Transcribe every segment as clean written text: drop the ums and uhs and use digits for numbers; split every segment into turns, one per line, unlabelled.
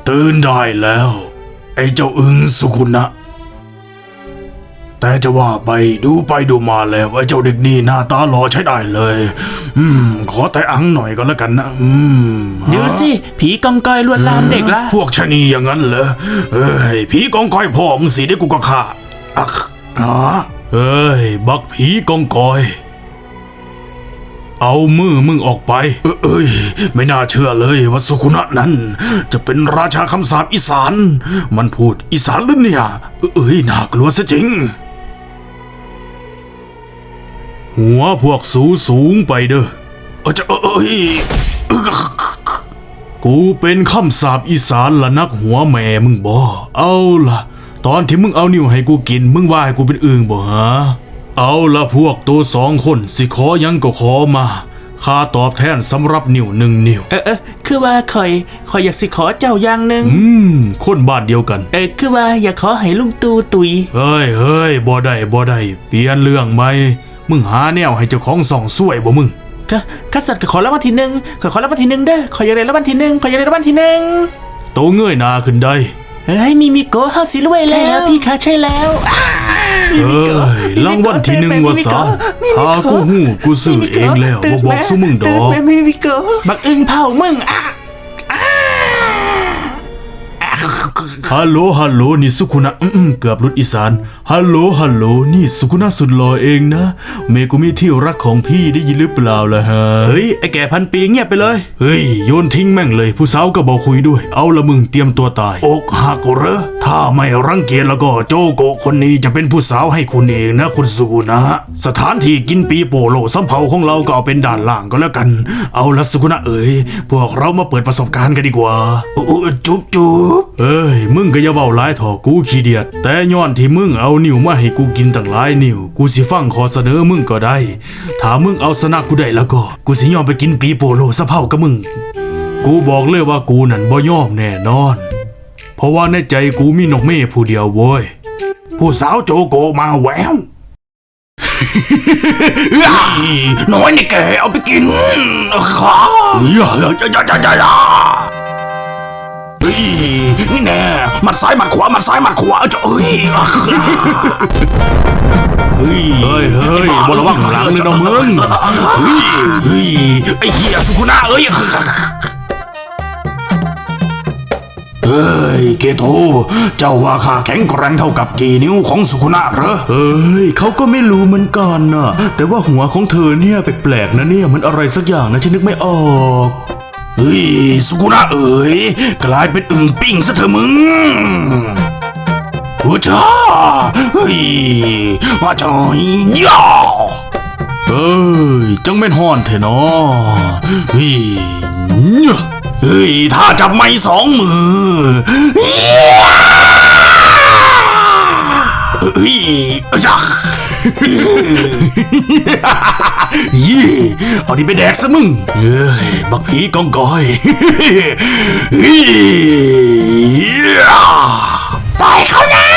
ตื่นได้แล้วไอ้เจ้าอึงสุขุนะแต่จะว่าไปดูมาแล้วไอ้เจ้าเด็กนี่หน้าตาหล่อใช้ได้เลยขอแต่อังหน่อยก็แล้วกันนะ
ดูสิผีกองกอยลวนลามเด็กละ
พวกชะนีอย่างนั้นเหรอผีกองกอยพ่อมึงสิได้กูก็ฆ่าบักผีกองกอยเอามือมึงออกไปไม่น่าเชื่อเลยว่าสุขุนะนั้นจะเป็นราชาคำสาปอีสานมันพูดอีสานหรือเนี่ยน่ากลัวซะจริงหัวพวกสูงไปเด้อกูเป็นคำสาปอีสานละนักหัวแม่มึงบ่เอาล่ะตอนที่มึงเอานิ้วให้กูกินมึงว่าให้กูเป็นอึ่งบ่ฮะเอาละพวกตัว2 คนสิขอยังก็ขอมาข้าตอบแทนสำหรับนิ้ว1 นิ้ว
คือว่าคอยอยากสิขอเจ้าอย่างหนึ่ง
คนบ้านเดียวกัน
คือว่าอยากขอให้ลุงตู่ตุย
เฮ้ยบ่ได้เปลี่ยนเรื่องไหมมึงหาแนวให้เจ้าของส่องสวยบ่มึง
ข้าสัตว์ขอรางวัลที่ 1ขอรางวัลที่ 1เด้อขออยากได้รางวัลที่ 1ขออยากได้รางวัลที่ 1
โตเงยหน้าขึ้นได้
มีโกเฮาสิรวยแล้วใช่แล้วพี่คะใช่แล้ว
รางวัลที่ 1ว่าซะหากูซื้อเองแล้วบ่บอกซุมึงดอก
มีโกบักอึ่งเผามึง
ฮัลโหลนี่สุขุนะเกือบรุดอีสานฮัลโหลนี่สุขุนะสุดหล่อเองนะเมกุมิที่รักของพี่ได้ยินหรือเปล่าล่ะฮะไอ้แก่พันปีเงียบไปเลยโยนทิ้งแม่งเลยผู้สาวก็บอกคุยด้วยเอาละมึงเตรียมตัวตายอกหักเหรอถ้าไม่รังเกียจแล้วก็โจโกคนนี้จะเป็นผู้สาวให้คุณเองนะคุณสุขุนะสถานที่กินปีโป้โลสำเภาของเราก็เอาเป็นด่านล่างก็แล้วกันเอาละสุขุนะพวกเรามาเปิดประสบการณ์กันดีกว่าจุ๊บมึงก็อย่าเว้าหลายถอกูขี้เดียดแต่ย้อนที่มึงเอานิ้วมาให้กูกินตั้งหลายนิ้วกูสิฟังขอเสนอมึงก็ได้ถ้ามึงเอาชนะกูได้แล้วก็กูสิยอมไปกินปีโป้โลสะเผ่ากับมึงกูบอกเลยว่ากูนั่นบ่ยอมแน่นอนเพราะว่าในใจกูมีนกเม่ผู้เดียวโว้ยผู้สาวโจโกมาแววน้อยนี่แกเอาไปกินข้านี่แน่มัดซ้ายมัดขวาจะเฮ้ยบนระวังหลังเลยนะมึงไอ้เหี้ยสุขุนะเกโตเจ้าว่าข้าแข็งแกร่งเท่ากับกี่นิ้วของสุขุนะเหรอเขาก็ไม่รู้เหมือนกันนะแต่ว่าหัวของเธอเนี่ยแปลกๆนะเนี่ยมันอะไรสักอย่างนะฉันนึกไม่ออกสุกุนะกลายเป็นอึ่งปิ้งซะเถอะมึงจ้ามาจอยย่าจังแม่นฮ้อนเถอะเนาะถ้าจับไม้2 มือเอาดิไปแดกซะมึงบักผีกองกอยปล่อยเขานะ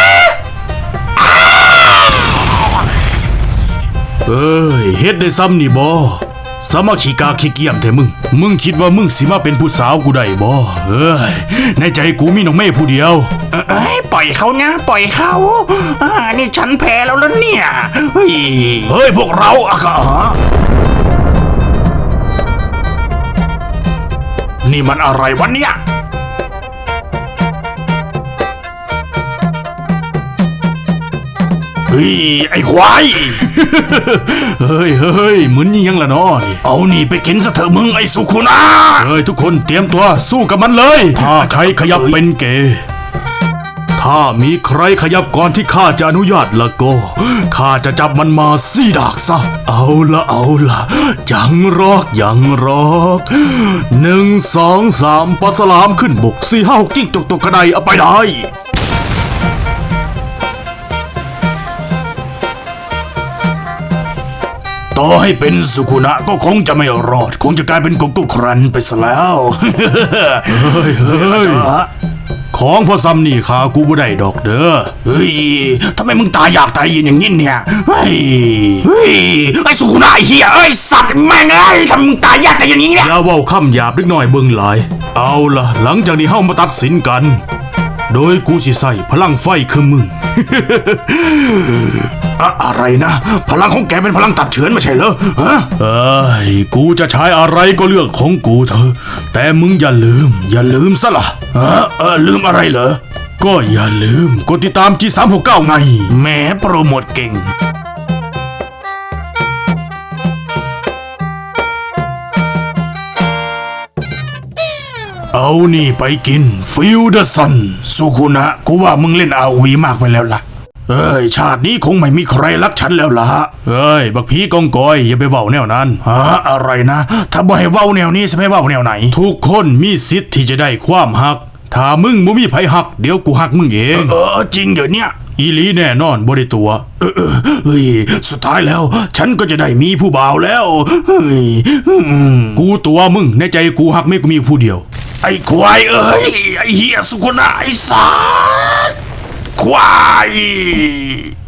เฮ็ดได้ซ้ำนี่บ่สามัคคีกาขี้เกียจแท้มึงคิดว่ามึงสิมาเป็นผู้สาวกูได้บ่ในใจกูมีน้องเม่ผู้เดียว
ปล่อยเขานะปล่อยเขานี่ฉันแพ้แล้วเนี่ย
พวกเรานี่มันอะไรวะเนี่ยไอ้ควายเหมือนยังละเนาะเอานี่ไปกินซะเถอะมึงไอ้สุขุนะทุกคนเตรียมตัวสู้กับมันเลยถ้าใครขยับเป็นเกย์ถ้ามีใครขยับก่อนที่ข้าจะอนุญาตละก็ข้าจะจับมันมาซี่ดากซะเอาละยังรอก1 2 3ปลาสลามขึ้นบก4 5 6กิ้งตกกระไดเอาไปได้ต่อให้เป็นสุขุนะก็คงจะไม่รอดคงจะกลายเป็นกุ๊กครันไปซะแล้วของพอซ้ำนี่ขากูบ่ได้ดอกเด้อทำไมมึงตายอยากตายยินอย่างนี้เนี่ยไอ้สุขุนะไอ้เหี้ยสัตว์แม่งทำมึงตายอยากตายอย่างนี้เนี่ยอย่าเว้าคำหยาบเล็กน้อยเบิ่งหลายเอาล่ะหลังจากนี้เฮามาตัดสินกัน โดยกูสิใส่พลังไฟคือมึง อะไรนะ พลังของแกเป็นพลังตัดเฉือนไม่ใช่เหรอฮะกูจะใช้อะไรก็เรื่องของกูเถอะแต่มึงอย่าลืมซะล่ะลืมอะไรเหรอ ก็อย่าลืมกดติดตาม G369 ไงแหมโปรโมทเก่ง เอานี่ไปกินฟิลเดอร์ซันสุคุณะกูว่ามึงเล่นอาวีมากไปแล้วล่ะชาตินี้คงไม่มีใครรักฉันแล้วล่ะบักผีกองกอยอย่าไปเว้าแนวนั้นอะไรนะถ้าบ่ให้เว้าแนวนี้จะไปเว้าแนวไหนทุกคนมีสิทธิ์ที่จะได้ความหักถ้ามึงบ่มีไผหักเดี๋ยวกูหักมึงเองจริงเดี๋ยวเนี้ยอีหลีแน่นอนบ่ได้ตัวสุดท้ายแล้วฉันก็จะได้มีผู้บ่าวแล้วกูตัวมึงในใจกูหักไม่กูมีผู้เดียวไอ้ควายไอ้เหี้ยสุกุนะไอ้สัสควาย